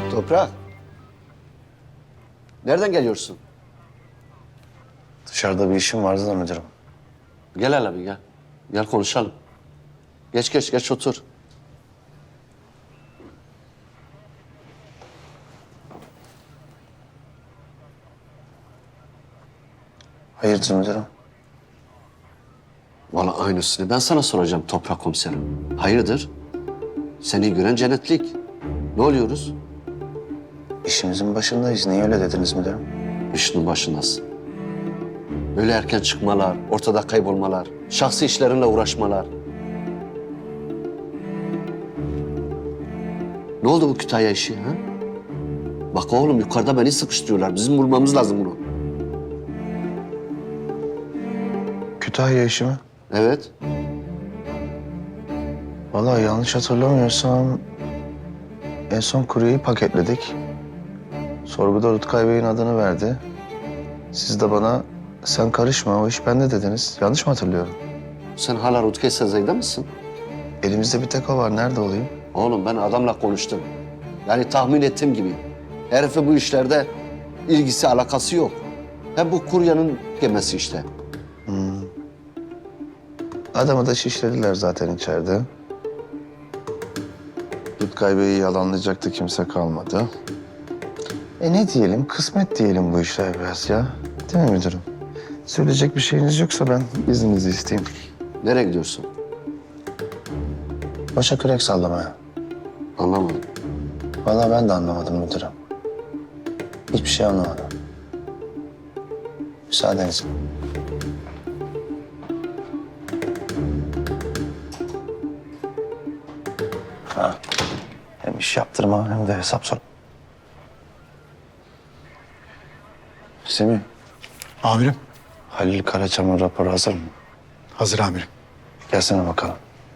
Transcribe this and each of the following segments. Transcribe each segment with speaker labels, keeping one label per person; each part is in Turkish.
Speaker 1: Toprak. Nereden geliyorsun?
Speaker 2: Dışarıda bir işim vardı da müdürüm.
Speaker 1: Gel hele bir gel. Gel konuşalım. Geç otur.
Speaker 2: Hayırdır müdürüm?
Speaker 1: Vallahi aynısını ben sana soracağım Toprak komiserim. Hayırdır? Seni gören cennetlik. Ne oluyoruz?
Speaker 2: İşimizin başındayız. Niye öyle dediniz müdürüm?
Speaker 1: İşinin başındasın. Böyle erken çıkmalar, ortada kaybolmalar, şahsi işlerinle uğraşmalar. Ne oldu bu Kütahya işi ha? Bak oğlum yukarıda beni sıkıştırıyorlar. Bizim bulmamız lazım bunu.
Speaker 2: Kütahya işi mi?
Speaker 1: Evet.
Speaker 2: Vallahi yanlış hatırlamıyorsam en son kuryeyi paketledik. Sorguda Rutkay Bey'in adını verdi. Siz de bana sen karışma o iş bende dediniz. Yanlış mı hatırlıyorum?
Speaker 1: Sen hala Rutkay Sezai'de misin?
Speaker 2: Elimizde bir tek o var. Nerede olayım?
Speaker 1: Oğlum ben adamla konuştum. Yani tahmin ettiğim gibi. Herife bu işlerde ilgisi alakası yok. Hem bu kuryanın gemisi işte.
Speaker 2: Adamı da şişlediler zaten içeride. Rutkay Bey'i yalanlayacaktı kimse kalmadı. Ne diyelim? Kısmet diyelim bu işler biraz ya. Değil mi müdürüm? Söyleyecek bir şeyiniz yoksa ben izninizi isteyeyim.
Speaker 1: Nereye gidiyorsun?
Speaker 2: Başa kürek sallamaya.
Speaker 1: Anlamadım.
Speaker 2: Vallahi ben de anlamadım müdürüm. Hiçbir şey anlamadım. Müsaadenizle. Ha. Hem iş yaptırma hem de hesap sor. Semih,
Speaker 3: Amirim.
Speaker 2: Halil Karaçam'ın raporu hazır mı?
Speaker 3: Hazır amirim.
Speaker 2: Gelsene bakalım.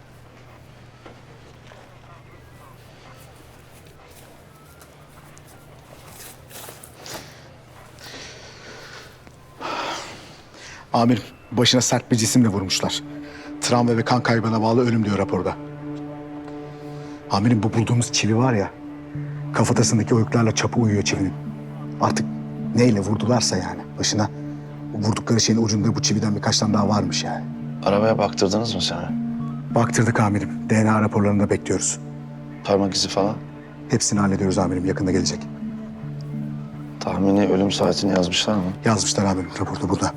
Speaker 3: Amirim, başına sert bir cisimle vurmuşlar. Travma ve kan kaybına bağlı ölüm diyor raporda. Amirim bu bulduğumuz çivi var ya, kafatasındaki oyuklarla çapı uyuyor çivinin. Artık neyle vurdularsa yani başına, o vurdukları şeyin ucunda bu çividen birkaç tane daha varmış yani.
Speaker 2: Arabaya baktırdınız mı sana?
Speaker 3: Baktırdık amirim. DNA raporlarını da bekliyoruz.
Speaker 2: Parmak izi falan?
Speaker 3: Hepsini hallediyoruz amirim. Yakında gelecek.
Speaker 2: Tahmini ölüm saatini yazmışlar mı?
Speaker 3: Yazmışlar amirim. Raporda burada.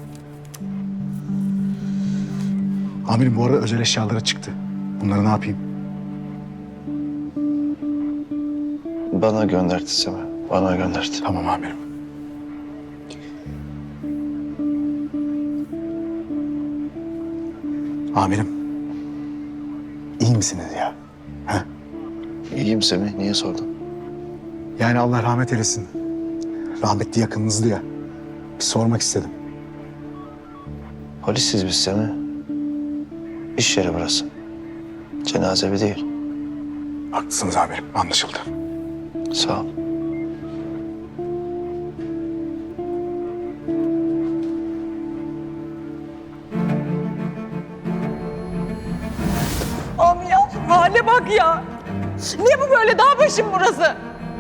Speaker 3: Amirim bu arada özel eşyalara çıktı. Bunları ne yapayım?
Speaker 2: Bana gönderdi Semih. Bana gönderdi.
Speaker 3: Tamam amirim. Amirim. İyi misiniz ya? Ha?
Speaker 2: İyiyim Semih. Niye sordun?
Speaker 3: Yani Allah rahmet eylesin. Rahmetli yakınınızdı ya. Bir sormak istedim.
Speaker 2: Polisiz biz Semih. İş yeri burası. Cenaze evi değil.
Speaker 3: Haklısınız amirim. Anlaşıldı.
Speaker 2: Sağ ol.
Speaker 4: Am ya hale bak ya. Ne bu böyle dağ başım burası?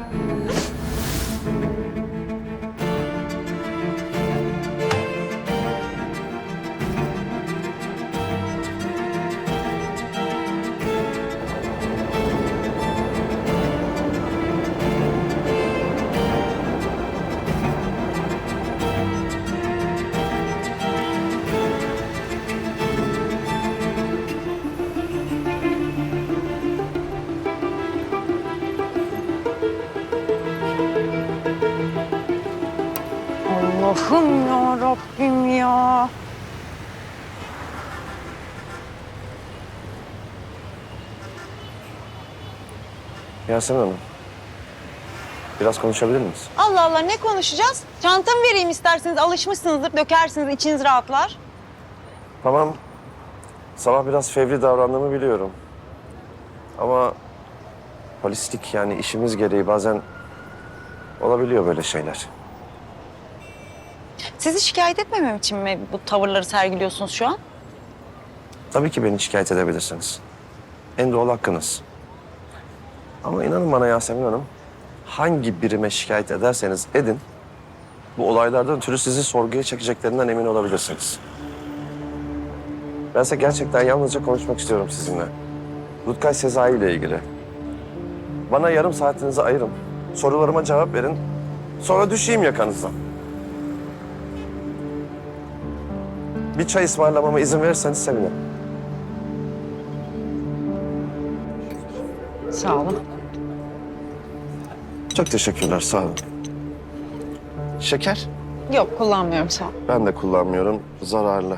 Speaker 4: Allah'ım ya Rabbim ya.
Speaker 5: Yasemin Hanım, biraz konuşabilir miyiz?
Speaker 4: Allah Allah ne konuşacağız? Çantamı vereyim isterseniz alışmışsınızdır dökersiniz içiniz rahatlar.
Speaker 5: Tamam, sabah biraz fevri davrandığımı biliyorum. Ama polislik yani işimiz gereği bazen olabiliyor böyle şeyler.
Speaker 4: Sizi şikayet etmemem için mi bu tavırları sergiliyorsunuz şu an?
Speaker 5: Tabii ki beni şikayet edebilirsiniz. En doğal hakkınız. Ama inanın bana Yasemin Hanım, hangi birime şikayet ederseniz edin, bu olaylardan ötürü sizi sorguya çekeceklerinden emin olabilirsiniz. Bense gerçekten yalnızca konuşmak istiyorum sizinle. Rutkay Sezai ile ilgili. Bana yarım saatinizi ayırın. Sorularıma cevap verin. Sonra düşeyim yakanızdan. Bir çay ısmarlamama izin verirseniz sevinirim.
Speaker 4: Sağ olun.
Speaker 5: Çok teşekkürler, sağ olun. Şeker?
Speaker 4: Yok kullanmıyorum sağ ol.
Speaker 5: Ben de kullanmıyorum, zararlı.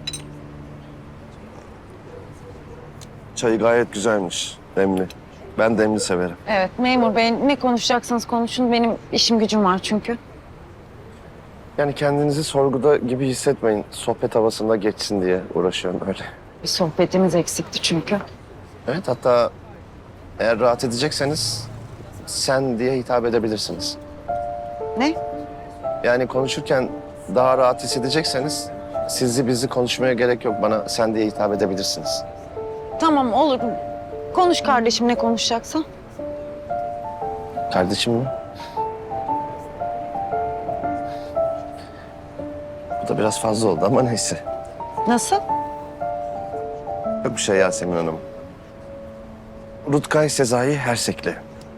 Speaker 5: Çayı gayet güzelmiş, demli. Ben demli severim.
Speaker 4: Evet memur bey ne konuşacaksanız konuşun. Benim işim gücüm var çünkü.
Speaker 5: Yani kendinizi sorguda gibi hissetmeyin. Sohbet havasında geçsin diye uğraşıyorum öyle.
Speaker 4: Bir sohbetimiz eksikti çünkü.
Speaker 5: Evet, hatta eğer rahat edecekseniz sen diye hitap edebilirsiniz.
Speaker 4: Ne?
Speaker 5: Yani konuşurken daha rahat hissedecekseniz sizi bizi konuşmaya gerek yok. Bana sen diye hitap edebilirsiniz.
Speaker 4: Tamam olur. Konuş kardeşim ne konuşacaksan.
Speaker 5: Kardeşim mi? Bu da biraz fazla oldu ama neyse.
Speaker 4: Nasıl?
Speaker 5: Yok bir şey Yasemin Hanım. Rutkay Sezai Hersekli.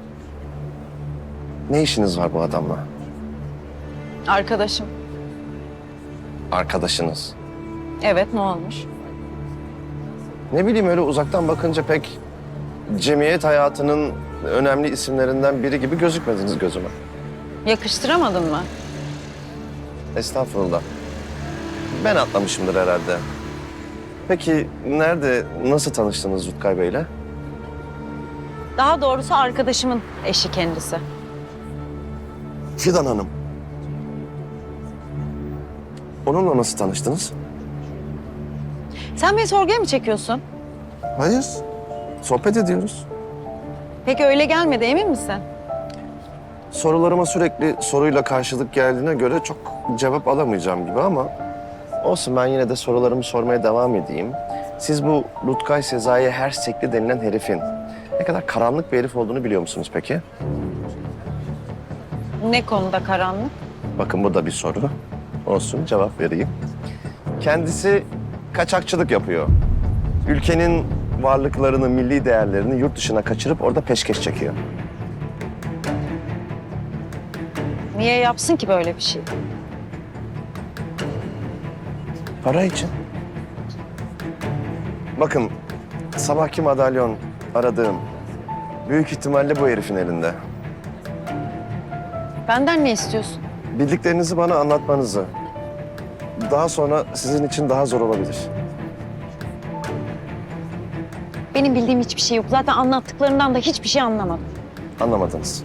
Speaker 5: Ne işiniz var bu adamla?
Speaker 4: Arkadaşım.
Speaker 5: Arkadaşınız.
Speaker 4: Evet ne olmuş?
Speaker 5: Ne bileyim öyle uzaktan bakınca pek cemiyet hayatının önemli isimlerinden biri gibi gözükmediniz gözüme.
Speaker 4: Yakıştıramadın mı?
Speaker 5: Estağfurullah. Ben atlamışımdır herhalde. Peki nerede, nasıl tanıştınız Rutkay Bey'le?
Speaker 4: Daha doğrusu arkadaşımın eşi kendisi.
Speaker 5: Fidan Hanım. Onunla nasıl tanıştınız?
Speaker 4: Sen beni sorguya mı çekiyorsun?
Speaker 5: Hayır. Sohbet ediyoruz.
Speaker 4: Peki öyle gelmedi emin misin?
Speaker 5: Sorularıma sürekli soruyla karşılık geldiğine göre çok cevap alamayacağım gibi ama olsun, ben yine de sorularımı sormaya devam edeyim. Siz bu Rutkay Sezai Hersekli denilen herifin ne kadar karanlık bir herif olduğunu biliyor musunuz peki?
Speaker 4: Ne konuda karanlık?
Speaker 5: Bakın bu da bir soru. Olsun, cevap vereyim. Kendisi kaçakçılık yapıyor. Ülkenin varlıklarını, milli değerlerini yurt dışına kaçırıp orada peşkeş çekiyor.
Speaker 4: Niye yapsın ki böyle bir şey?
Speaker 5: Para için. Bakın, sabahki madalyon aradığım büyük ihtimalle bu herifin elinde.
Speaker 4: Benden ne istiyorsun?
Speaker 5: Bildiklerinizi bana anlatmanızı. Daha sonra sizin için daha zor olabilir.
Speaker 4: Benim bildiğim hiçbir şey yok. Zaten anlattıklarından da hiçbir şey anlamadım.
Speaker 5: Anlamadınız.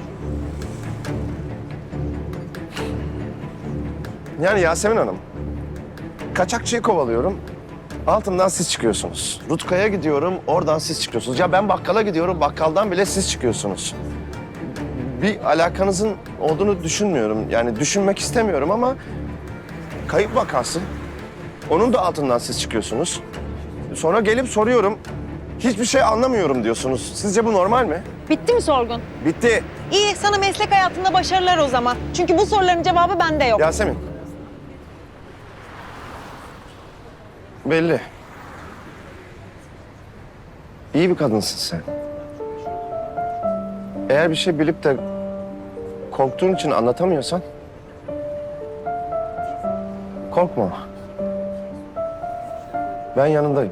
Speaker 5: Yani Yasemin Hanım, kaçakçıyı kovalıyorum, altından siz çıkıyorsunuz. Rutkay'a gidiyorum, oradan siz çıkıyorsunuz. Ya ben bakkala gidiyorum, bakkaldan bile siz çıkıyorsunuz. Bir alakanızın olduğunu düşünmüyorum. Yani düşünmek istemiyorum ama kayıp vakası. Onun da altından siz çıkıyorsunuz. Sonra gelip soruyorum, hiçbir şey anlamıyorum diyorsunuz. Sizce bu normal mi?
Speaker 4: Bitti mi sorgun?
Speaker 5: Bitti.
Speaker 4: İyi, sana meslek hayatında başarılar o zaman. Çünkü bu soruların cevabı bende yok.
Speaker 5: Yasemin. Belli. İyi bir kadınsın sen. Eğer bir şey bilip de korktuğun için anlatamıyorsan korkma. Ben yanındayım.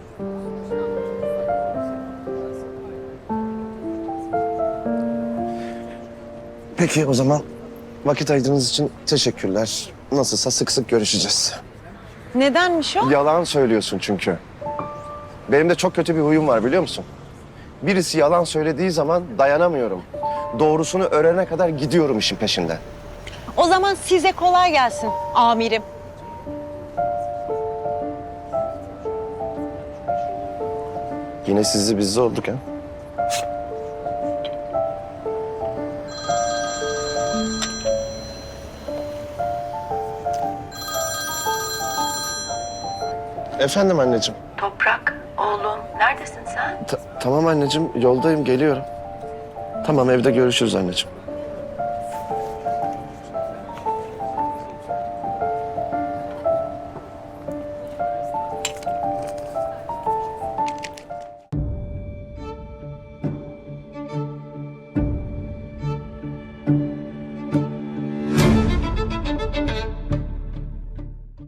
Speaker 5: Peki o zaman vakit ayırdığınız için teşekkürler. Nasılsa sık sık görüşeceğiz.
Speaker 4: Nedenmiş o?
Speaker 5: Yalan söylüyorsun çünkü. Benim de çok kötü bir huyum var biliyor musun? Birisi yalan söylediği zaman dayanamıyorum. Doğrusunu öğrenene kadar gidiyorum işin peşinden.
Speaker 4: O zaman size kolay gelsin amirim.
Speaker 5: Yine sizli bizli olduk ha. Efendim anneciğim.
Speaker 6: Toprak, oğlum neredesin sen?
Speaker 5: Tamam anneciğim, yoldayım, geliyorum. Tamam, evde görüşürüz anneciğim.